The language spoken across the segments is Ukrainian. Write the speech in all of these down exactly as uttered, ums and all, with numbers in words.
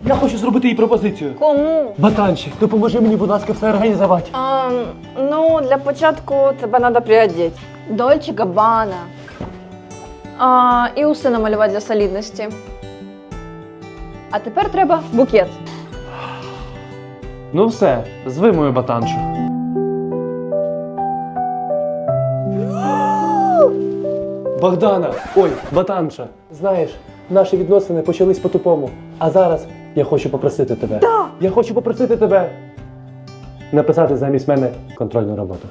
Я хочу зробити їй пропозицію. Кому? Батанчик, допоможи мені, будь ласка, все організувати. А, ну, для початку тебе треба приодіти. Дольче Габбана. А, і уси намалювати для солідності. А тепер треба букет. Ну все, зви мою батаншу. Богдана, ой, батанша, знаєш, наші відносини почались по-тупому. А зараз я хочу попросити тебе. Да. Я хочу попросити тебе написати замість мене контрольну роботу.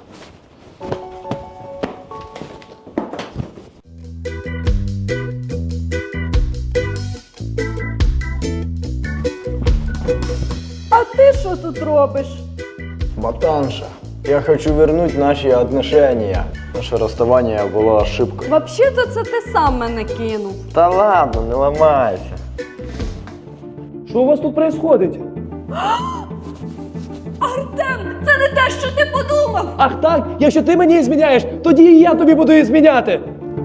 А ти що тут робиш? Батанша, я хочу вернуть наши отношения. Наше расставание было ошибкой. Взагалі-то це ти сам мене кинув. Да ладно, не ломайся. Що у вас тут відбувається? Артем, це не те, що ти подумав! Ах так, якщо ти мені зміняєш, тоді і я тобі буду зміняти.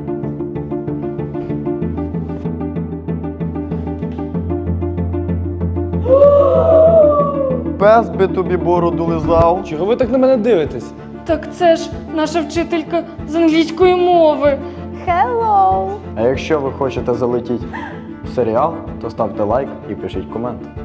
Пес би тобі бороду лизав. Чого ви так на мене дивитесь? Так це ж наша вчителька з англійської мови. Hello! А якщо ви хочете залетіти в серіал, то ставте лайк і пишіть комент.